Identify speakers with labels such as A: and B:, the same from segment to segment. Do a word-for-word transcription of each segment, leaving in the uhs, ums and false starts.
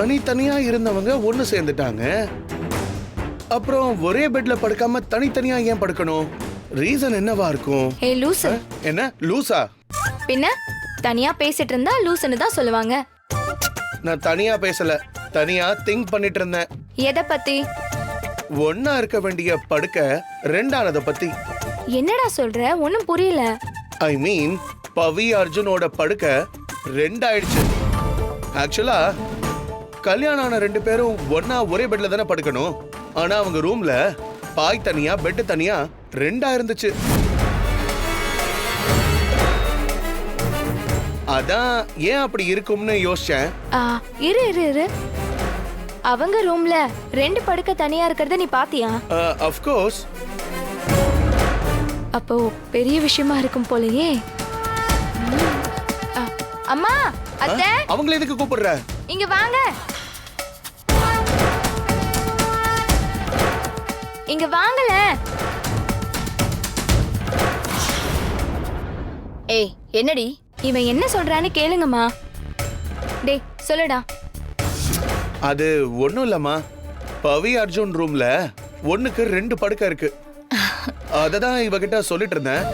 A: தனித்தனியா இருந்தவங்க ஒண்ணு சேர்ந்துட்டாங்க. அப்புறம் ஒரே பெட்ல படுக்காம தனித்தனியா ஏன் படுக்கணும்? ரீசன் என்னவா இருக்கும்?
B: ஏய் லூசு.
A: என்ன லூசா?
B: பின்ன தனியா பேசிட்டு இருந்தா லூசுன்னு தான் சொல்லுவாங்க.
A: நான் தனியா பேசல, தனியா திங்க் பண்ணிட்டு இருந்தேன்.
B: எதை பத்தி?
A: ஒன்னா இருக்க வேண்டிய படுக்க ரெண்டானத பத்தி.
B: என்னடா சொல்ற? ஒண்ணும் புரியல.
A: ஐ மீன் பவி அர்ஜுனோட படுக்க ரெண்டாயிடுச்சு. ஆக்சுவலா கல்யாணம் ஆன ரெண்டு பேரும் ஒன்னா ஒரே பெட்ல தானே படுக்கணும். ஆனா அவங்க ரூம்ல பாய் தனியா பெட் தனியா ரெண்டா இருந்துச்சு. அதான் ஏன் அப்படி இருக்கும்னு யோசிச்சேன்.
B: ஆ, இரு இரு இரு அவங்க ரூம்ல ரெண்டு படுக்க தனியா இருக்கறத நீ பாத்தியா?
A: Of course.
B: அப்போ பெரிய விஷயமா இருக்கும் போலயே. ஆ, அம்மா, அத்தை,
A: அவங்கள எதுக்கு கூப்பிடுற?
B: இங்க வாங்க. இங்க வாங்கல.
C: ஏய், என்னடி?
B: இவன் என்ன சொல்றான்னு கேளுங்கம்மா. டேய் சொல்லுடா.
A: அது ஒண்ணும் இல்லம்மா, பவி அர்ஜுன் ரூம்ல ஒண்ணுக்கு ரெண்டு படுக்க இருக்கு. அததான் இவகிட்ட சொல்லிட்டு இருந்தேன்.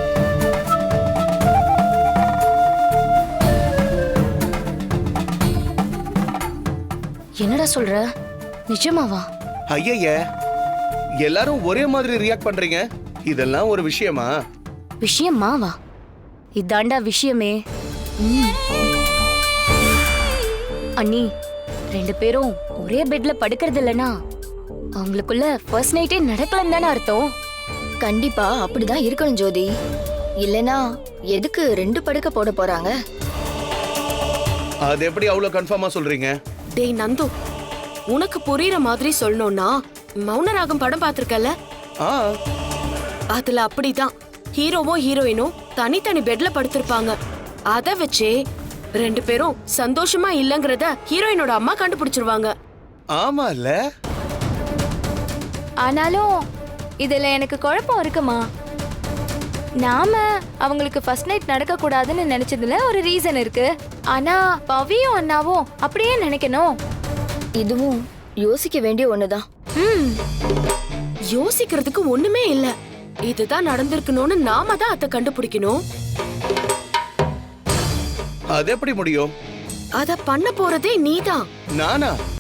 C: என்னடா சொல்ற? நிஜமாவா?
A: ஐய, எல்லாரும் ஒரே மாதிரி ரியாக்ட் பண்றீங்க. இதெல்லாம் ஒரு விஷயமா?
C: விஷயமாவா? இதாண்டா விஷயமே. அண்ணி, ரெண்டு பேரும் ஒரே பெட்ல படுக்கிறது இல்லனா அவங்களுக்குள்ள ஃபர்ஸ்ட் நைட்டே நடக்கலன்னு தானே அர்த்தம்? கண்டிப்பா அப்படிதான் இருக்கணும் ஜோதி. இல்லனா எதுக்கு ரெண்டு படுக்க போட போறாங்க?
A: அது எப்படி அவ்வளவு கன்ஃபார்மா சொல்றீங்க?
D: டேய் நந்து, உனக்கு புரியுற மாதிரி சொல்லணும்னா மௌனராகம் படம் பாத்திருக்கல?
A: ஆ,
D: அதுல அப்படிதான் ஹீரோவும் ஹீரோயினும் தனித்தனி பெட்ல படுத்திருப்பாங்க. அத வச்சே ரெண்டு பேரும் சந்தோஷமா இல்லங்கறத ஹீரோயினோட அம்மா கண்டுபிடிச்சிருவாங்க.
A: ஆமா இல்ல?
B: ஆனாலும் இதுல எனக்கு குழப்பம் இருக்குமா. நாம அவங்களுக்கு ஃபர்ஸ்ட் நைட் நடக்க கூடாதுன்னு நினைச்சதுல ஒரு ரீசன் இருக்கு. ஆனா பவியும் அண்ணாவும் அப்படியே நினைக்கணும்.
C: இதுவும் யோசிக்க வேண்டிய ஒண்ணுதான்.
B: ம்,
D: யோசிக்கிறதுக்கு ஒண்ணுமே இல்ல. இதுதான் நடந்திருக்கணும்னு நாம தான் அத கண்டுபிடிக்கணும்.
A: அது எப்படி முடியும்?
D: அத பண்ண போறதே நீதான்.
A: நானா?